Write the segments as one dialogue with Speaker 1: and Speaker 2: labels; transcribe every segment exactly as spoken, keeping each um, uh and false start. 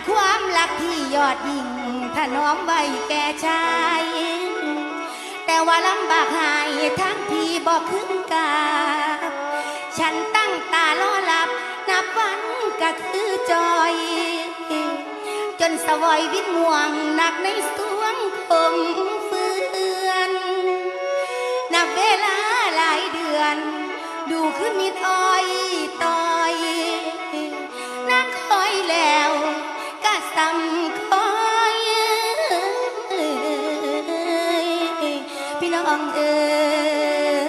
Speaker 1: ความรักที่ยอดยิ่งถนอมไว้แก่ชายแต่ว่าลำบากหายทั้งที่บอกขึ้นกาฉันตั้งตารอหลับนับวันก็คือจอยจนสวอยวิตม่วงหนักในสวงคมเฟือนนับเวลาหลายเดือนดูคือมิดอ้อยต่อยนักคอยแล้วก็ซ้ำคอยพี่น้องเอ๋ย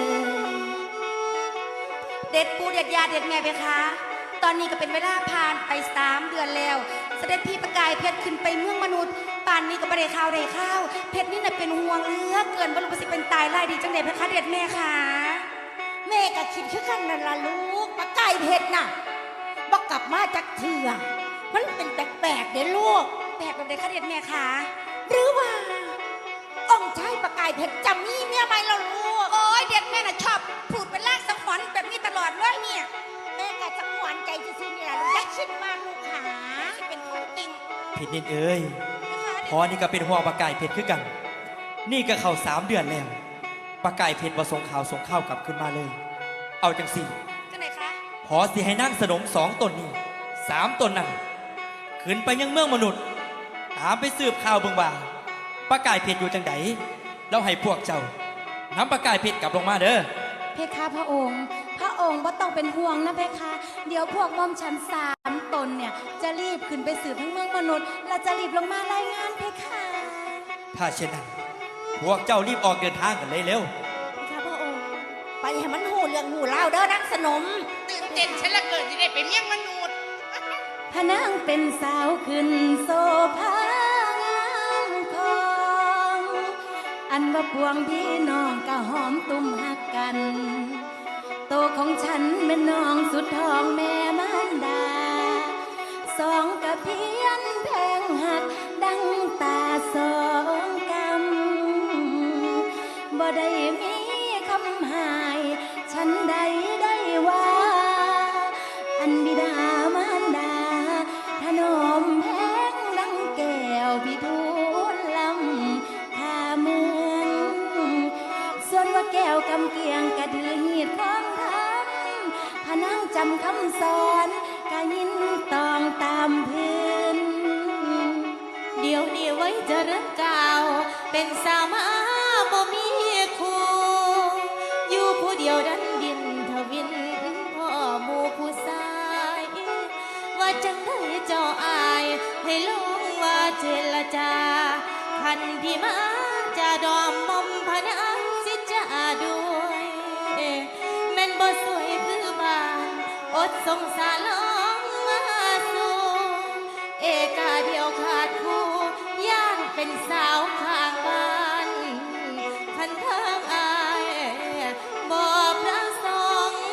Speaker 1: เด็ดปูเด็ดยาเด็ดแม่ไปคะตอนนี้ก็เป็นเวลาผ่านไปสามเดือนแล้วเสด็จพี่ประกายเพชรขึ้นไปเมืองมนุษย์ป่านนี้ก็ไม่ได้ข้าวได้ข้าวเพชรนี่น่ะเป็นห่วงเหลือเกินว่าลูกสิเป็นตายไล่ดีจังเด็ดเพคะเด็ดแม่ค่ะแม่ก็คิดคือกันนั่นล่ะลูกประกายเพชรน่ะบอกกลับมาจากเถื่อมันเป็นแปลกๆเด้ลูกแปลกแบบเด็ดคะเด็ดแม่ค่ะหรือว่าองค์ชายประกายเพชรจะมีเมียไหมล่ะลูกโอ้ยเด็ดแม่น่ะชอบพูดเป็นลากสังหรณ์แบบนี้ตลอดเลยเนี่ยแม่ก็จะหวานใจซื่อๆนี่แหละลูกอย่าคิดมากลูกขาเป็นของจริง
Speaker 2: ผิดนิดเอ้ยพอนี่ก็เป็นห่วงปากไก่เพชรคือกัน นี่ก็เข้าสามเดือนแล้วปากไก่เพชรมาส่งข่าวส่งข้าวกลับขึ้นมาเลย เอาจังสี่
Speaker 1: จังไหนคะ
Speaker 2: พอสิให้นั่งสนมสองตนนี้สามตนนั่นขึ้นไปยังเมืองมนุษย์ตามไปสืบข่าวเบิ่งว่าปากไก่เพชรอยู่จังไดแล้วให้พวกเจ้านำปากไก่เพชรกลับลงมาเด้อ
Speaker 1: เพคะพระองค์พระองค์บ่ต้องเป็นห่วงนะเพคะเดี๋ยวพวกม่อมฉันสามตนเนี่ยจะรีบขึ้นไปสืบทั้งเมืองมนุษย์และจะรีบลงมารายงานเพคะ
Speaker 2: ถ้าเช่นนั้นพวกเจ้ารีบออกเดินทางกันเลยเร็ว
Speaker 1: เพคะพระองค์ไปให้มันหูเรื่องหูเล่าเด้อนักสนม
Speaker 3: ตื่นเต้นฉันละเกิดที่ได้ไปเมียงมนุษย์
Speaker 1: พระนางเป็นสาวขึ้นโซภางามทองอันว่าพวงพี่น้องก็หอมตุ้มหักกันโตของฉันเป็นน้องสุดทองแม่มารดาสองกะเพียนแพงหักดังตาสองกำบ่ได้มีคำหายฉันใดได้ว่าอันบิดามารดาถนอมแพงดังแก้วพิทูลลำท่าเมืองส่วนว่าแก้วกำเกียงกระดือหีดของทำพะนั่งจำคำสอนกะยินตองตามพื้นเดี๋ยวนี้ไว้จะเริ่มเก่าเป็นสาวมาบ่มีคู่อยู่ผู้เดียวดันดินทวินพ่อหมู่ผู้ชายว่าจังได้เจ้าอายให้ลงว่าเจรจาคันพี่มาจะดอมมอมพนันสิจะด้วยแม่นบ่สวยคือบ้านอดสงสารลองมาสู่เอกาเดียวขาดคู่ย่านเป็นสาวข้างบ้านคันทางอายบ่ประสงค์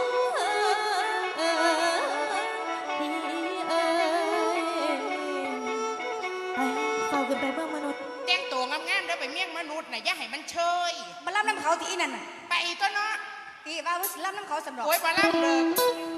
Speaker 1: พี่เอ๋ยไปเฝ้าขึ้นไปเมืองมนุษย์
Speaker 3: แต่งตัวงามๆเด้อไปเมียงมนุษย์น่ะอย่าให้มันเชย
Speaker 1: มาล่ำน้ำเขาที่นั่นน่ะ
Speaker 3: ไปตัวเนาะ
Speaker 1: ที่ว่าว่าสิล่ำน้ำเขาสำหรับ
Speaker 3: โอ้ยมาล่ำเด้อ